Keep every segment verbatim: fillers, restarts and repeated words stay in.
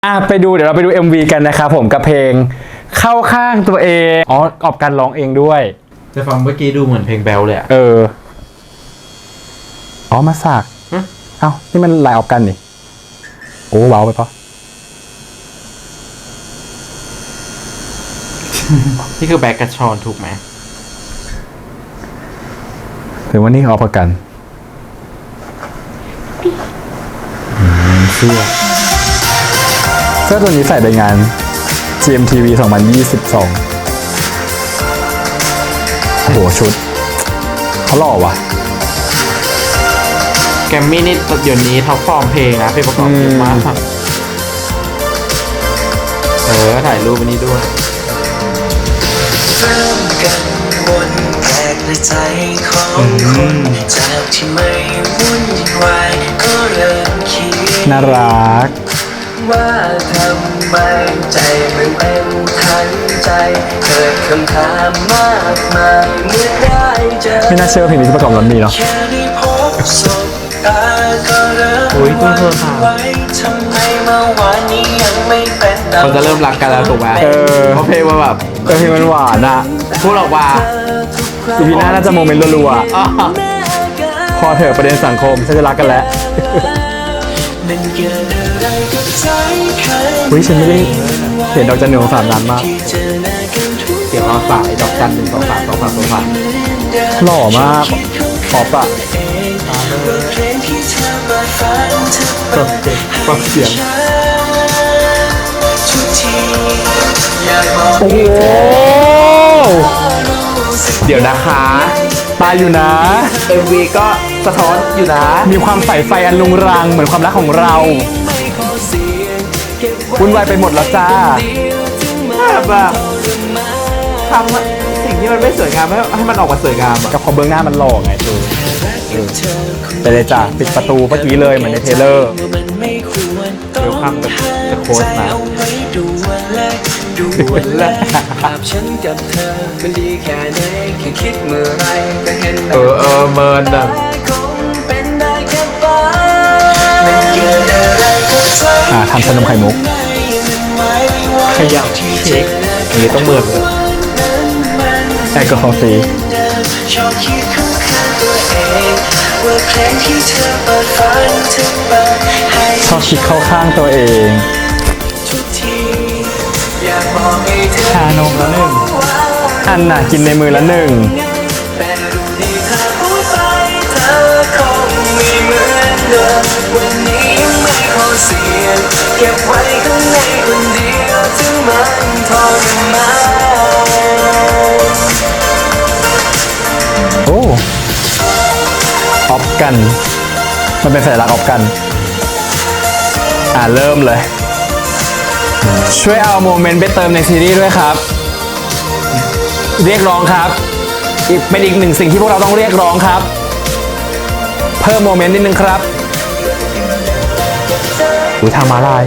อ่ะไปดูเดี๋ยวเราไปดู เอ็ม วี กันนะครับผมกับเพลงเข้าข้างตัวเองอ๋อออกการร้องเองด้วยแต่ฟังเมื่อกี้ดูเหมือนเพลงแบลเลยอะเอออ๋อมาสากเอ้านี่มันลายออกกันนี่โอ้เบาไปปะนี่คือแบ็กกระชอนถูกไหมถือว่านี่ออกกันเสื้อเสื้อตัวนี้ใส่ในงาน จี เอ็ม ที วี สองพันยี่สิบสองโอ้โหชุดเขาหล่อว่ะแกมมี่นี่เดี๋ยวนี้ท็อปฟอร์มเพลงนะเพลงประกอบเยอะมากเออถ่ายรูปอันนี้ด้วยเริ่มกันวนแปลกในใจของคนจากที่ไม่วุ่นวายก็เริ่มคิดน่ารักว่าทำไมใจมันเป็นทันใจเกิดคำถามมากมายเมื่อได้เจอไม่น่าเชื่อเพลงนี้ที่ประกอบแล้วมีเนาะแค่ได้พบสบตาก็เริ่มหวั่นไหวทำไมเมื่อวานนี้ยังไม่เป็นเขาจะเริ่มรักกันแล้วถูกไหมเออเพราะเพลงมันแบบเพลงมันหวานอ่ะพูดออกมาอีพีหน้าน่าจะโมเมนต์รัวๆพอเถอะประเด็นสังคมฉันจะรักกันแล้วอุ้ยฉันไม่ได้เห็นดอกจันหนึ่งของสามนานมากเสียงรอสายดอกจันหนึ่งสองสามสองสามสองสามหล่อมากขอบอะฟังเสียงโอ้โหเดี๋ยวนะคะตายอยู่นะเอ็ม วี ก็สะท้อนอยู่นะมีความใส่ไฟอันลุงรังเหมือนความรักของเราวุ่นวายไปหมดแล้วจ้าแบบทำสิ่งที่มันไม่สวยงามให้ให้มันออกมาสวยงามกับพอเบื้องหน้ามันหล่อไงคือไปเลยจ้ะปิดประตูเมื่อกี้เลยเหมือนในเทเลอร์เดี๋ยวข้ามกับจะโค้ดมาดูแลภาพฉันกับเธอมันดีแค่ไหนแค่คิดเมื่อไรก็เห็นเออเออเมินอ่ะอ่าทำขนมไข่มุกขยับเช็คนี้ต้องเมินเลยแอลกอฮอล์ฟรีชอบคิดเข้าข้างตัวเองชานมละหนึ่งอันน่ะกินในมือละหนึ่งเก็บไว้ข้างในคนเดียวถึงมันทรมานโอ้ออฟกันมันเป็นสัญลักษณ์ออฟกันอ่าเริ่มเลยช่วยเอาโมเมนต์ไปเติมในซีรีส์ด้วยครับเรียกร้องครับอีกเป็นอีกหนึ่งสิ่งที่พวกเราต้องเรียกร้องครับเพิ่มโมเมนต์นิดนึงครับอุ้ยทางม้าลาย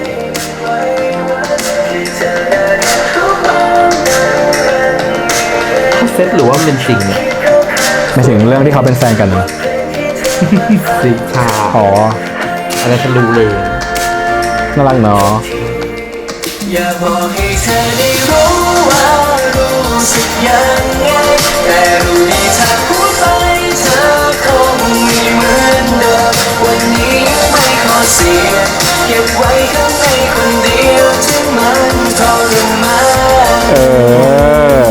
เซตหรือว่าเป็นจริงเนี่ยไม่ถึงเรื่องที่เขาเป็นแฟนกันสิชาอ๋ออะไรฉันรู้เลยน่ารักเนาะอย่าบอกให้เธอได้รู้ว่ารู้สึกยังไงแต่รู้ดีถ้าพูดไปเธอคงไม่เหมือนเดิมวันนี้ไม่ขอเสียเก็บไว้ข้างในคนเดียวถึงมันทรมานเออ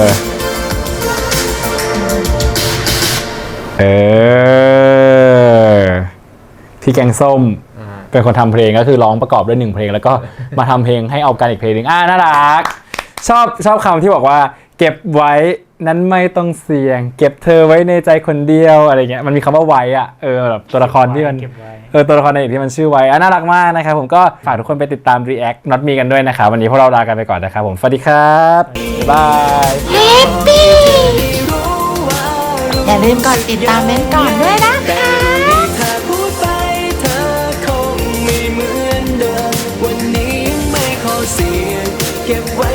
เออพี่แกงส้มเป็นคนทำเพลงก็คือร้องประกอบด้วยหนึ่งเพลงแล้วก็มาทำเพลงให้เอากันอีกเพลงหนึ่งอ่าน่ารักชอบชอบคำที่บอกว่าเก็บไว้นั้นไม่ต้องเสี่ยงเก็บเธอไว้ในใจคนเดียวอะไรเงี้ยมันมีคำว่าไว้อะเออแบบตัวละครที่มันเออตัวละครในที่มันชื่อไว้อ่ะน่ารักมากนะครับผมก็ฝากทุกคนไปติดตาม React Not Me กันด้วยนะครับวันนี้พวกเราลากันไปก่อนนะครับผมสวัสดีครับบ๊ายบายแฮปปี้อย่าลืมกดติดตามเม้นก่อนด้วยนะคะวันนี้ไม่ขอเสียเก็บไว้